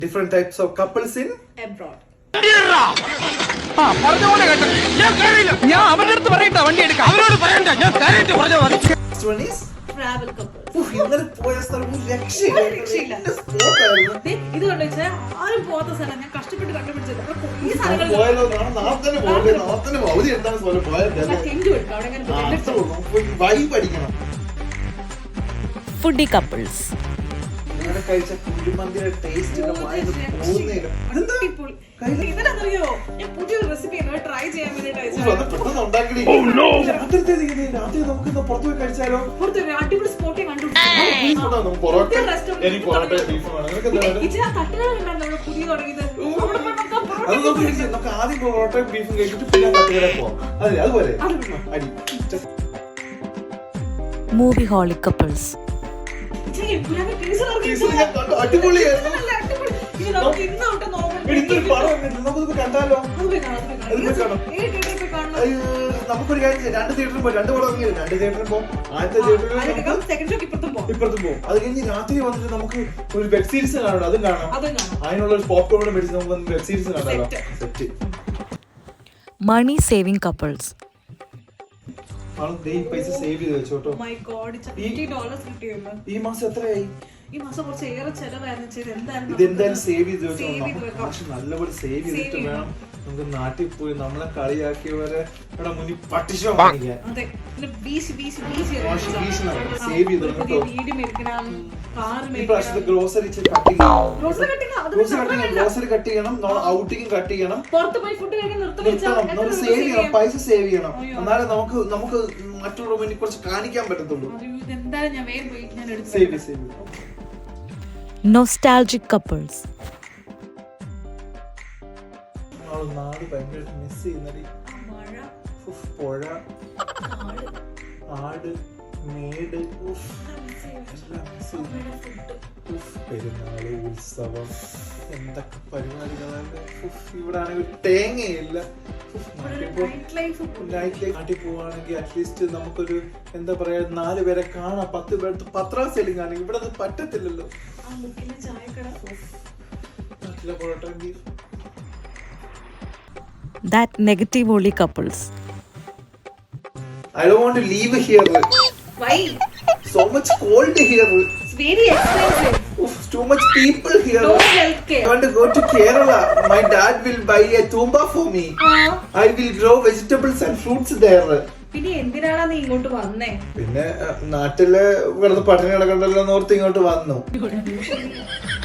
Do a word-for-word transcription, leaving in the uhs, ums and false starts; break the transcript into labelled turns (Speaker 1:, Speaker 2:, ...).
Speaker 1: different types of couples in
Speaker 2: abroad.
Speaker 1: Next one is
Speaker 2: travel couples.
Speaker 1: ഇന്നലെ പോയ സ്ഥലം ഒരു രക്ഷയില്ല.
Speaker 2: ഇത് കൊണ്ട് വെച്ചാൽ ആരും പോകാത്ത സ്ഥലം ഞാൻ കഷ്ടപ്പെട്ട് കണ്ടുപിടിച്ചത്. ഈ സ്ഥലങ്ങൾ
Speaker 1: പോയാലോ നാളെ തന്നെ പോകണ്ടേ? നാളെ തന്നെ അവധി എന്താണ് പോലെ പോയാൽ വൈബ് അടിക്കണം.
Speaker 3: ഫുഡി കപ്പിൾസ്
Speaker 1: കഴിച്ച കുഴിമന്തിയുടെ ടേസ്റ്റ് പോകുന്നില്ല.
Speaker 2: ഇവരറിയോ ഞാൻ പുതിയൊരു റെസിപ്പി ട്രൈ ചെയ്യാൻ വേണ്ടിട്ട്
Speaker 1: രാത്രി നമുക്ക് പുറത്തു പോയി കഴിച്ചാലോ?
Speaker 2: അടിപൊളി സ്പോട്ടിൽ കണ്ടു. പുതിയ തുടങ്ങിയത്
Speaker 1: അത് നമുക്ക് നമുക്ക് ആദ്യം പൊറോട്ടയും ബീഫും കഴിച്ചിട്ട് പിന്നെ തട്ടുകട പോവാം. അതെ അതുപോലെ അടി.
Speaker 3: മൂവി ഹോളിക് കപ്പിൾസ്
Speaker 1: അടിപൊളിയായിരുന്നു. നമുക്കൊരു കാര്യം രണ്ട് തിയേറ്ററിൽ പോകും. രണ്ട് പടം ഇറങ്ങിയത് രണ്ട് തിയേറ്ററിൽ പോകും. ആദ്യത്തെ തിയേറ്ററിൽ ഇപ്പുറത്തും പോകും. അത് കഴിഞ്ഞ് രാത്രി വന്നിട്ട് നമുക്ക് ഒരു വെബ് സീരീസ് കാണണം. അതും കാണാം. അതിനുള്ള ഒരു പോപ്കോൺ മേടിച്ച് നമുക്ക് വെബ് സീരീസ് കാണാമല്ലോ. സെറ്റ്
Speaker 3: മണി സേവിംഗ് കപ്പിൾസ്
Speaker 1: പൈസ സേവ് ചെയ്ത് വെച്ചോട്ടോ. ഈ മാസം എത്രയായി?
Speaker 2: ഈ മാസം കുറച്ച് ഏറെ ചെലവായിരുന്നു.
Speaker 1: ഇതെന്തായാലും സേവ് ചെയ്ത് വെച്ചോ. പക്ഷെ നല്ലപോലെ സേവ് ചെയ്തിട്ട് വേണം നമുക്ക് നാട്ടിൽ പോയി നമ്മളെ കളിയാക്കിയവരെ ഇവിടെ മുന്നിൽ പട്ടിഷോ കാണിക്കാൻ. സേവ് ചെയ്ത് ഇപ്രാവശ്യത്തെ ഗ്രോസറി കട്ട് ചെയ്യണം. ഗ്രോസറി കട്ട് ചെയ്യണം. ഔട്ടിങ് കട്ട് ചെയ്യണം. നിർത്തണം. സേവ് ചെയ്യണം. പൈസ സേവ് ചെയ്യണം. എന്നാലേ നമുക്ക് നമുക്ക് മറ്റുള്ള മുന്നിൽ കുറച്ച് കാണിക്കാൻ പറ്റത്തുള്ളൂ. സേവ് സേവ്
Speaker 3: നൊസ്റ്റാൾജിക് കപ്പിൾസ്
Speaker 1: നാട് ഭയങ്കരമായിട്ട് മിസ് ചെയ്യുന്നടി. പുഴ, ആട്, മേട്, പെരുന്നാള്, ഉത്സവം, എന്തൊക്കെ പരിപാടികളാണ്. ഇവിടെ ആണെങ്കിൽ തേങ്ങയില്ല. നാട്ടിൽ പോവാണെങ്കിൽ അറ്റ്ലീസ്റ്റ് നമുക്കൊരു എന്താ പറയാ നാല് പേരെ കാണാം. പത്ത് പേർക്ക് പത്രാ സെല്ലിംഗ് ആണെങ്കിൽ ഇവിടെ അത് പറ്റത്തില്ലല്ലോ. നാട്ടിലെ parotta beef.
Speaker 3: That negative only couples.
Speaker 1: I don't want to leave here.
Speaker 2: Why?
Speaker 1: So much cold here.
Speaker 2: It's very expensive.
Speaker 1: Oof, too much people here.
Speaker 2: No healthcare.
Speaker 1: I want to go to Kerala. My dad will buy a tumba for me.
Speaker 2: Uh,
Speaker 1: I will grow vegetables and fruits there.
Speaker 2: പിന്നെ എന്തിനാണ് നീ ഇങ്ങോട്ട് വന്നേ?
Speaker 1: പിന്നെ നാട്ടില് വെറുതെ പട്ടിണി കിടക്കണ്ടല്ലോ north ഇങ്ങോട്ട് വന്നു.